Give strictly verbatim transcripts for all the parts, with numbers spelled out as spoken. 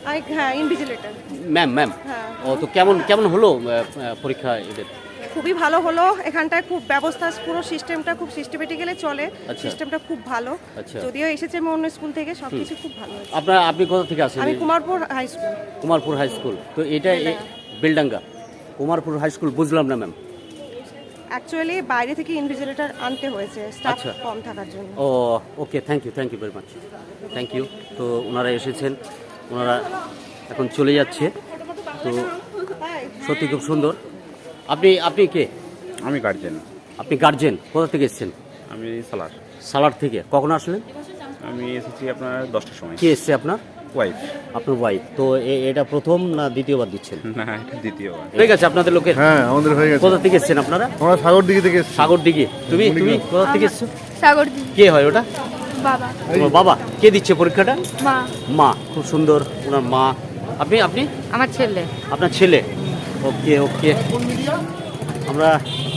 I হ্যাঁ invigilator. Ma'am ma'am হ্যাঁ ও তো কেমন কেমন হলো আহ, আহ, পরীক্ষা এদের? খুবই ভালো হলো। এখানটায় খুব ব্যবস্থা, পুরো সিস্টেমটা খুব সিস্টেমেটিক্যালি চলে। আচ্ছা। সিস্টেমটা খুব ভালো। আচ্ছা। যদিও এসেছে আমি অন্য স্কুল থেকে, সব কিছু খুব ভালো হয়েছে। আপনার আপনি কোথা থেকে আসেন? আমি Kumarpur high school. Kumarpur high school. তো এটা এ- বেলডাঙ্গা কুমারপুর হাই স্কুল, বুঝলাম না ম্যাম। অ্যাকচুয়ালি বাইরে থেকে ইনভিজিলেটর আনতে হয়েছে স্টাফ আচ্ছা। কম থাকার জন্য। ও okay, thank you thank you very much, thank you. তো ওনারা এসেছেন, ওনারা এখন চলে যাচ্ছে। তো সত্যি খুব সুন্দর। আপনি আপনি কে? আমি গার্জেন। আপনি গার্জেন, কোথা থেকে এসেছেন? আমি সালার। সালার থেকে। কখন আসলেন? আমি এসেছি আপনার দশটার সময়। কে এসছে আপনার? ওয়াইফ। আপনার ওয়াইফ। তো এ- এটা প্রথম না দ্বিতীয়বার দিচ্ছেন? না, এটা দ্বিতীয়বার। ঠিক আছে, আপনাদের লোকের। হ্যাঁ আমাদের হয়ে গেছে। কোথা থেকে এসেছেন আপনারা? আমরা সাগর দিকে থেকে এসেছি। সাগর দিকে। তুমি তুমি কোথা থেকে এসছো? সাগর দি কে হয় ওটা? বাবা তোমার বাবা? কে দিচ্ছে পরীক্ষাটা? মা মা। খুব সুন্দর, ওনার মা। আপনি আপনি আমার ছেলে আপনার ছেলে? ওকে ওকে। আমরা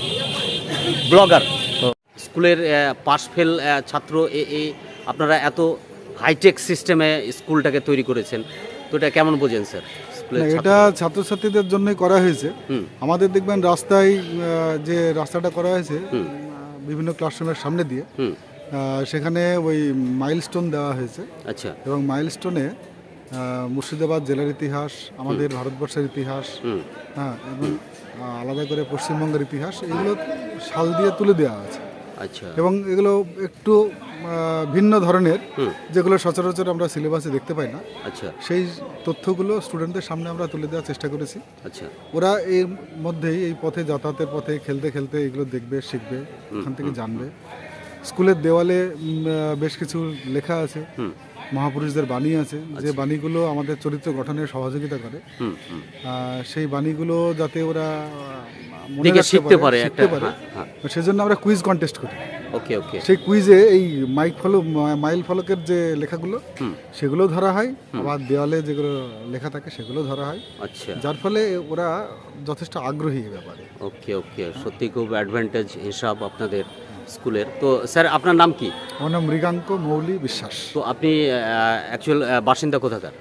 ব্লগার। স্কুলের পাস ফেল ছাত্র এ এ আপনারা এত হাইটেক সিস্টেমে স্কুলটাকে তৈরি করেছেন, তো এটা কেমন বোঝেন স্যার? স্কুলের না, ছাত্র- এটা ছাত্রছাত্রীদের জন্যই করা হয়েছে। হুম। আমাদের দেখবেন রাস্তায় আহ, যে রাস্তাটা করা হয়েছে হুম। আহ, বিভিন্ন ক্লাসরুমের সামনে দিয়ে হুম। আহ, সেখানে ওই মাইলস্টোন দেওয়া হয়েছে আচ্ছা। এবং মাইলস্টোনে মুর্শিদাবাদ জেলার ইতিহাস, আমাদের ভারতবর্ষের ইতিহাস, হুম। হ্যাঁ এবং আহ, আলাদা করে পশ্চিমবঙ্গের ইতিহাস, এগুলো সাল দিয়ে তুলে দেওয়া আছে আচ্ছা। এবং এগুলো একটু আহ, ভিন্ন ধরনের, হুম। যেগুলো সচরাচর আমরা সিলেবাসে দেখতে পাই না। আচ্ছা। সেই তথ্যগুলো স্টুডেন্টদের সামনে আমরা তুলে দেওয়ার চেষ্টা করেছি। আচ্ছা। ওরা এর মধ্যেই এই পথে যাতায়াতের পথে খেলতে খেলতে এগুলো দেখবে, শিখবে, ওখান থেকে জানবে। স্কুলের দেওয়ালে উম, আহ, বেশ কিছু লেখা আছে, হুম। মহাপুরুষদের বাণী আছে, যে বাণীগুলো আমাদের চরিত্র গঠনে সহযোগিতা করে। হুম হুম। আহ, সেই বাণীগুলো যাতে ওরা আহ, মনে দেখে রাখতে শিখতে পারে শিখতে একটা। পারে, হ্যাঁ, হ্যাঁ। সেজন্য আমরা কুইজ কন্টেস্ট করি। ওকে ওকে। সেই কুইজে এই মাইক ফলক মাইল ফলকের যে লেখাগুলো, হুম। সেগুলো ধরা হয়, আবার দেওয়ালে যেগুলো লেখা থাকে সেগুলো ধরা হয়, আচ্ছা। যার ফলে ওরা যথেষ্ট আগ্রহী এ ব্যাপারে। ওকে ওকে, সত্যি খুব অ্যাডভান্টেজ হিসাব আপনাদের স্কুলের। তো স্যার আপনার নাম কি? আমার নাম মৃগাঙ্ক মৌলি বিশ্বাস। তো আপনি অ্যাকচুয়াল বাসিন্দা কোথাকার?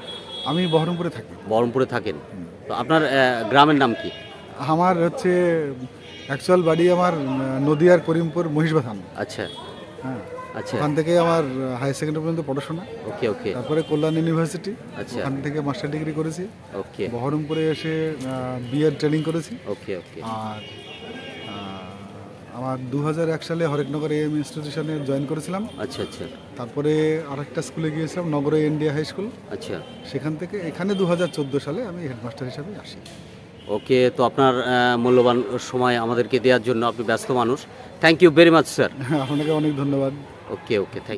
আমি বহরমপুরে থাকি। বহরমপুরে থাকেন। তো আপনার আহ, গ্রামের নাম কি? আমার হচ্ছে অ্যাকচুয়াল বাড়ি আমার আহ, নদিয়ার করিমপুর মহিষবাথান। আচ্ছা হ্যাঁ, আচ্ছা। ওখান থেকে আমার হাই সেকেন্ডারি পর্যন্ত পড়াশোনা, ওকে ওকে তারপরে কল্যাণ ইউনিভার্সিটি, আচ্ছা। ওখান থেকে মাস্টার ডিগ্রি করেছি। ওকে বহরমপুরে এসে বিএড ট্রেনিং করেছি। ওকে ওকে আর আহ, আমার দু হাজার এক সালে হরেকনগর এম ইনস্টিটিউশনে জয়েন করেছিলাম। আচ্ছা আচ্ছা তারপরে আরেকটা স্কুলে গিয়েছিলাম, নগর ইন্ডিয়া হাই স্কুল। আচ্ছা। সেখান থেকে এখানে দু হাজার চোদ্দো সালে আমি হেডমাস্টার হিসাবে আসি। ওকে, তো আপনার আহ, মূল্যবান সময় আমাদেরকে দেওয়ার জন্য, আপনি ব্যস্ত মানুষ। Thank you very much sir. আপনাকে অনেক ধন্যবাদ। ওকে ওকে, থ্যাংক